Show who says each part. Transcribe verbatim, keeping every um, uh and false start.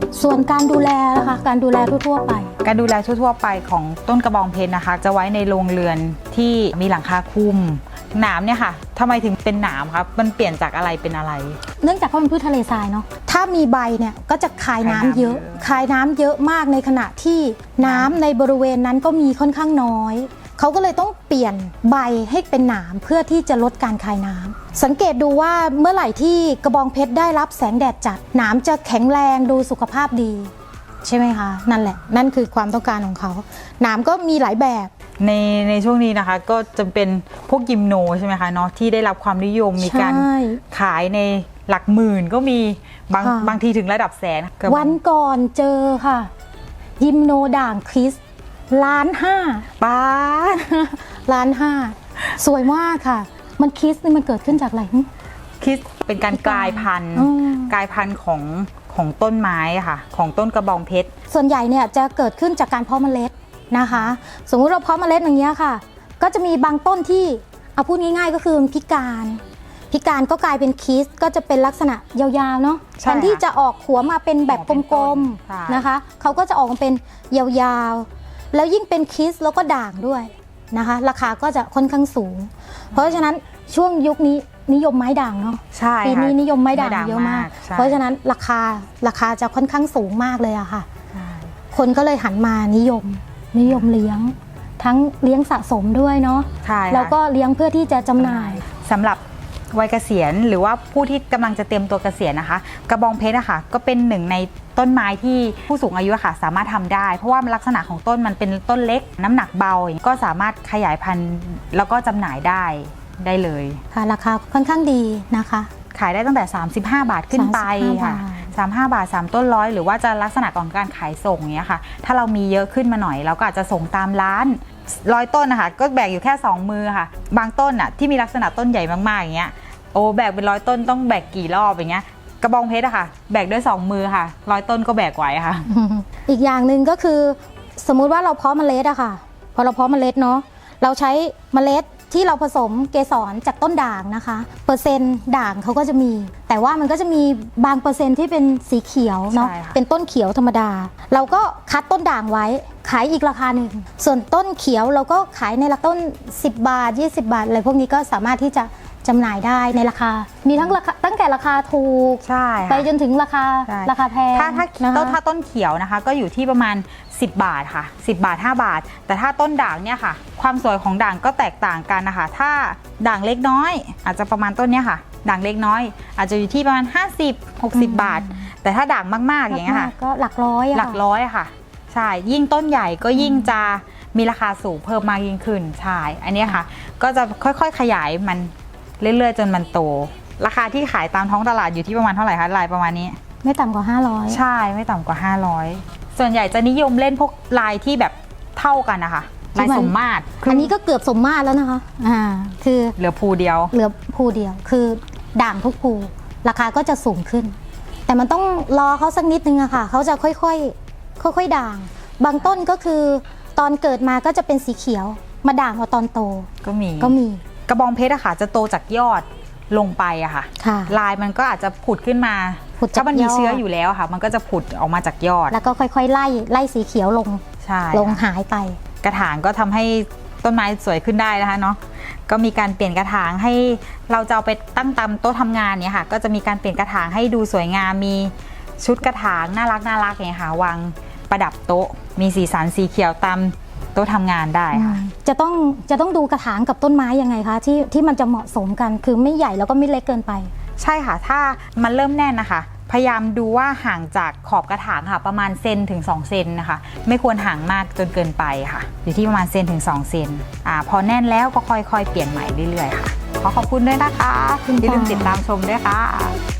Speaker 1: ส่วนการดูแลนะคะการดูแลทั่วๆไป
Speaker 2: การดูแลทั่วๆไปของต้นกระบองเพชรนะคะจะไว้ในโรงเรือนที่มีหลังคาคลุมหนามเนี่ยค่ะทำไมถึงเป็นหนามครับมันเปลี่ยนจากอะไรเป็นอะไร
Speaker 1: เนื่องจากเขาเป็นพืชทะเลทรายเนาะถ้ามีใบเนี่ยก็จะคายน้ำเยอะคายน้ำเยอะมากในขณะที่น้ำในบริเวณนั้นก็มีค่อนข้างน้อยเขาก็เลยต้องเปลี่ยนใบให้เป็นหนามเพื่อที่จะลดการคายน้ำสังเกตดูว่าเมื่อไหร่ที่กระบองเพชรได้รับแสงแดดจัดหนามจะแข็งแรงดูสุขภาพดีใช่ไหมคะนั่นแหละนั่นคือความต้องการของเขาหนามก็มีหลายแบบ
Speaker 2: ในในช่วงนี้นะคะก็จะเป็นพวกยิมโนใช่ไหมคะเนาะที่ได้รับความนิยมมีการขายในหลักหมื่นก็มีบางบางทีถึงระดับแสน
Speaker 1: วันก่อนเจอค่ะยิมโนด่างคริสล้านห้า
Speaker 2: ป้า
Speaker 1: ล้านห้าสวยมากค่ะมันคริสนี่มันเกิดขึ้นจากอะไร
Speaker 2: คริสเป็นการกลายพันธุ์กลายพันธุ์ของของต้นไม้ค่ะของต้นกระบองเพชร
Speaker 1: ส่วนใหญ่เนี่ยจะเกิดขึ้นจากการเพาะเมล็ดนะคะสมมุติเราเพาะเมล็ดอย่างเงี้ยค่ะก็จะมีบางต้นที่เอาพูดง่ายๆก็คือพิการพิการก็กลายเป็นคิสก็จะเป็นลักษณะยาวๆเนาะแทนที่จะออกหัวมาเป็นแบบกลมๆนะคะเขาก็จะออกมาเป็นยาวๆแล้วยิ่งเป็นคิสแล้วก็ด่างด้วยนะคะราคาก็จะค่อนข้างสูงเพราะฉะนั้นช่วงยุคนี้นิยมไม้ด่างเนาะปีนี้นิยมไม้ด่างเยอะมากเพราะฉะนั้นราคาราคาจะค่อนข้างสูงมากเลยอะค่ะคนก็เลยหันมานิยมนิยมเลี้ยงทั้งเลี้ยงสะสมด้วยเนาะแล้วก็เลี้ยงเพื่อที่จะจำหน่าย
Speaker 2: สำหรับวัยเกษียณหรือว่าผู้ที่กำลังจะเตรียมตัวเกษียณนะคะกระบองเพชรนะคะก็เป็นหนึ่งในต้นไม้ที่ผู้สูงอายุค่ะสามารถทำได้เพราะว่าลักษณะของต้นมันเป็นต้นเล็กน้ำหนักเบาก็สามารถขยายพันธุ์แล้วก็จำหน่ายได้ได้เลย
Speaker 1: ค่ะราคาค่อนข้างดีนะคะ
Speaker 2: ขายได้ตั้งแต่สามสิบห้าบาทขึ้นไปค่ะสามสิบห้าบาทสามต้นร้อยหรือว่าจะลักษณะของการขายส่งเนี้ยค่ะถ้าเรามีเยอะขึ้นมาหน่อยเราก็อาจจะส่งตามร้านร้อยต้นนะคะก็แบกอยู่แค่สองมือค่ะบางต้นอ่ะที่มีลักษณะต้นใหญ่มากๆอย่างเงี้ยโอ้แบกเป็นร้อยต้นต้องแบกกี่รอบอย่างเงี้ยกระบองเพชรอะค่ะแบกด้วยสองมือค่ะร้อยต้นก็แบกไหวค่ะ
Speaker 1: อีกอย่างหนึ่งก็คือสมมุติว่าเราเพาะเมล็ดอะค่ะพอเราเพาะเมล็ดเนาะเราใช้เมล็ดที่เราผสมเกสรจากต้นด่างนะคะเปอร์เซ็นต์ด่างเขาก็จะมีแต่ว่ามันก็จะมีบางเปอร์เซ็นต์ที่เป็นสีเขียวเนาะเป็นต้นเขียวธรรมดาเราก็คัดต้นด่างไว้ขายอีกราคาหนึ่งส่วนต้นเขียวเราก็ขายในราคาต้นสิบบาทยี่สิบบาทอะไรพวกนี้ก็สามารถที่จะจำหน่ายได้ในราคามีทั้งราคาตั้งแต่ราคาถูกไปจนถึงราคาราคาแพง
Speaker 2: ถ้าถ้าต้นถ้าต้นเขียวนะคะก็อยู่ที่ประมาณสิบบาทค่ะสิบบาทห้าบาทแต่ถ้าต้นด่างเนี่ยค่ะความสวยของด่างก็แตกต่างกันนะคะถ้าด่างเล็กน้อยอาจจะประมาณต้นเนี้ยค่ะด่างเล็กน้อยอาจจะอยู่ที่ประมาณห้าสิบ หกสิบบาทแต่ถ้าด่างมากๆอย่างเงี้ยค่ะ
Speaker 1: ก็หลักร้อย
Speaker 2: หลักร้อยค่ะใช่ยิ่งต้นใหญ่ก็ยิ่งจะมีราคาสูงเพิ่มมากยิ่งขึ้นใช่อันนี้ค่ะก็จะค่อยๆขยายมันเรื่อยๆจนมันโตราคาที่ขายตามท้องตลาดอยู่ที่ประมาณเท่าไหร่คะลายประมาณนี้
Speaker 1: ไม่ต่ำกว่าห้าร้อย
Speaker 2: ใช่ไม่ต่ำกว่าห้าร้อยส่วนใหญ่จะนิยมเล่นพวกลายที่แบบเท่ากันนะคะลายสมมาตร
Speaker 1: อันนี้ก็เกือบสมมาตรแล้วนะคะอ่าคือ
Speaker 2: เหลือภูเดียว
Speaker 1: เหลือภูเดียวคือด่างทุกภูราคาก็จะสูงขึ้นแต่มันต้องรอเขาสักนิดนึงอะค่ะเขาจะค่อยๆค่อยๆด่างบางต้นก็คือตอนเกิดมาก็จะเป็นสีเขียวมาด่างเอาตอนโต
Speaker 2: ก็มี
Speaker 1: ก็มี
Speaker 2: กระบองเพชรอะค่ะจะโตจากยอดลงไปอะค่ะลายมันก็อาจจะผุดขึ้นมาถ้ามันมีเชื้ออยู่แล้วค่ะมันก็จะผุดออกมาจากยอด
Speaker 1: แล้วก็ค่อยๆไล่ไล่สีเขียวลงลงหายไป
Speaker 2: กระถางก็ทำให้ต้นไม้สวยขึ้นได้นะคะเนาะก็มีการเปลี่ยนกระถางให้เราจะเอาไปตั้งตามโต๊ะทำงานเนี่ยค่ะก็จะมีการเปลี่ยนกระถางให้ดูสวยงามมีชุดกระถางน่ารักน่ารักอย่างเงี้ยค่ะวางประดับโต๊ะมีสีสันสีเขียวตามโต๊ะทำงานได้ค่ะ
Speaker 1: จะต้องจะต้องดูกระถางกับต้นไม้ยังไงคะที่ที่มันจะเหมาะสมกันคือไม่ใหญ่แล้วก็ไม่เล็กเกินไป
Speaker 2: ใช่ค่ะถ้ามันเริ่มแน่นนะคะพยายามดูว่าห่างจากขอบกระถางค่ะประมาณเซนถึงสองเซนนะคะไม่ควรห่างมากจนเกินไปค่ะอยู่ที่ประมาณเซนถึงสองเซนอ่าพอแน่นแล้วก็ค่อยๆเปลี่ยนใหม่เรื่อยๆค่ะขอขอบคุณด้วยนะคะอย่าลืมติดตามชมด้วยค่ะ